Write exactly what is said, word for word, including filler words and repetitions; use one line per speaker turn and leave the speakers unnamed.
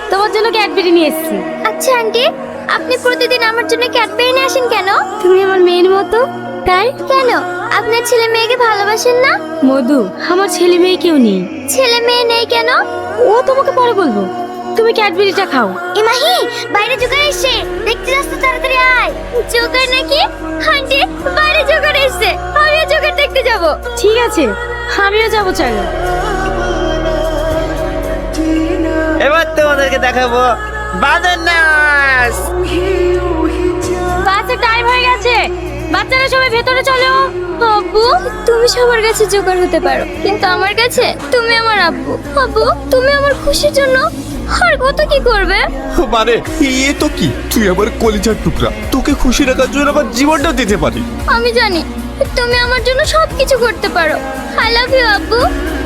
তোমার জন্য ক্যাডবেরি নিয়ে এসেছি।
আচ্ছা আন্টি, আপনি প্রতিদিন আমার জন্য ক্যাডবেরি নিয়ে আসেন কেন?
তুমি আমার মেয়ের মতো, তাই।
কেন, আপনার ছেলে মেয়েকে ভালোবাসেন না?
মধু, আমার ছেলে মেয়ে কেউ নেই।
ছেলে মেয়ে নেই কেন?
ও তোমাকে পরে বলবো, তুমি ক্যাডবেরিটা খাও।
এ মাহি, বাইরে জোগাড় এসছে, দেখতে যাস তো, তাড়াতাড়ি আয়। জোগাড় নাকি? আন্টি, বাইরে জোগাড় এসছে, আমিও জোগাড় দেখতে যাব।
ঠিক আছে, আমিও যাবো, চলো।
এবার তোমাদেরকে দেখাবো বাঁদর নাচ।
বাসের টাইম হয়ে গেছে, বাচ্চারা সবাই ভেতরে চলো।
আব্বু, তুমি সবার কাছে জোগাড় হতে পারো, কিন্তু আমার কাছে তুমি আমার আব্বু। আব্বু, তুমি আমার খুশির জন্য আর কত কি করবে?
মানে এ তো কি, তুই আমার কলিজার টুকরা, তোকে খুশি রাখার জন্য আমার জীবনটাও দিতে পারি।
আমি জানি তুমি আমার জন্য সবকিছু করতে পারো। আই লাভ ইউ আব্বু।